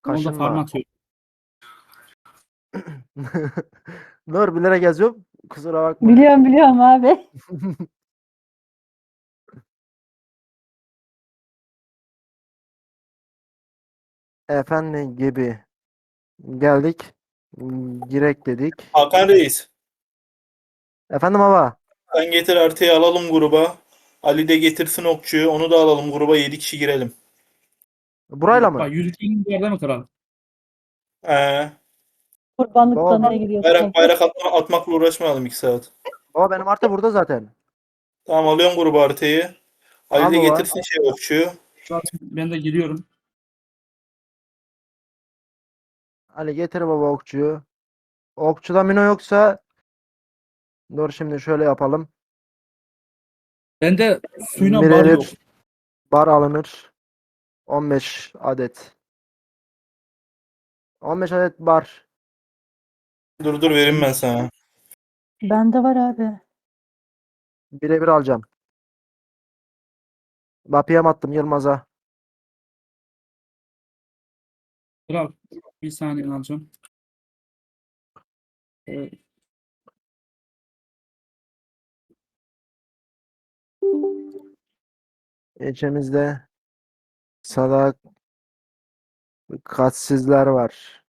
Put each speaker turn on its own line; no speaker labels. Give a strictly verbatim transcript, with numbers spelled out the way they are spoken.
Onu da farm
Kaşınma.
atıyorum.
Nur bilerek yazıyorum. Kusura bakma.
Biliyorum biliyorum abi.
Efendim gibi. Geldik. Girek dedik.
Hakan Reis.
Efendim baba.
Sen getir artıyı alalım gruba. Ali de getirsin okçuyu. Onu da alalım gruba. Yedi kişi girelim.
Burayla
Bak
mı?
yürütmenin bir yerde mi kral?
Ee,
Kurbanlıktan
Baba,
ne giriyor
bayrak
sanki?
bayrak atma, atmakla uğraşmayalım iki saat.
baba benim artı burada zaten.
Tamam alıyorum gruba haritayı. Ali
Al
de
baba.
getirsin şey okçuyu.
Zaten ben de giriyorum.
Ali getir baba okçuyu. Okçuda mino yoksa dur şimdi şöyle yapalım.
Bende suyuna bar yok.
Birebir bar alınır. on beş adet. on beş adet bar.
Dur dur vereyim ben sana.
Bende var abi.
Birebir alacağım. Bapiyem attım Yılmaz'a.
Kral bir saniye alacağım. Ee,
İçimizde salak katsizler var.